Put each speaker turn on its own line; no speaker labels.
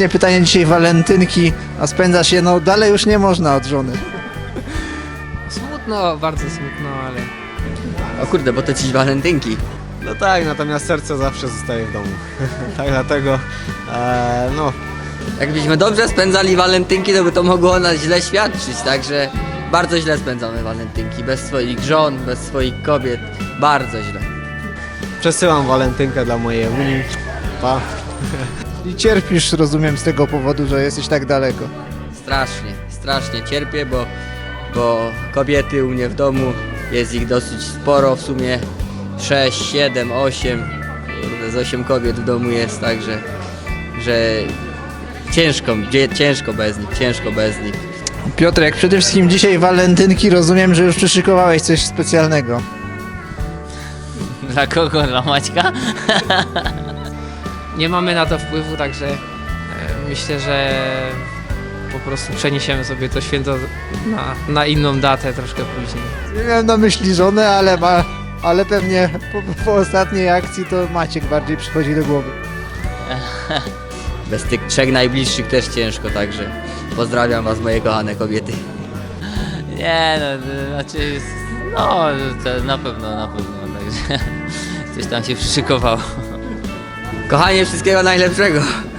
ostatnie pytanie dzisiaj, walentynki, a spędzasz je, no dalej już nie można od żony.
Smutno, bardzo smutno, ale...
O kurde, bo to dziś walentynki.
No tak, natomiast serce zawsze zostaje w domu. Tak dlatego, no,
Jakbyśmy dobrze spędzali walentynki, to by to mogło o nas źle świadczyć, także bardzo źle spędzamy walentynki. Bez swoich żon, bez swoich kobiet, bardzo źle.
przesyłam walentynkę dla mojej Unii. Pa.
I cierpisz, rozumiem, z tego powodu, że jesteś tak daleko.
Strasznie cierpię, bo kobiety u mnie w domu, jest ich dosyć sporo, w sumie 6, 7, 8, z 8 kobiet w domu jest, także że ciężko bez nich.
Piotrek, przede wszystkim dzisiaj walentynki, rozumiem, że już przyszykowałeś coś specjalnego.
Dla kogo? Dla Maćka?
Nie mamy na to wpływu, także myślę, że po prostu przeniesiemy sobie to święto na inną datę troszkę później.
Nie miałem na myśli żonę, ale pewnie po ostatniej akcji to Maciek bardziej przychodzi do głowy.
Bez tych 3 najbliższych też ciężko, także pozdrawiam was, moje kochane kobiety.
Nie no, znaczy, no to na pewno, także coś tam się przyszykowało.
Kochanie, wszystkiego najlepszego.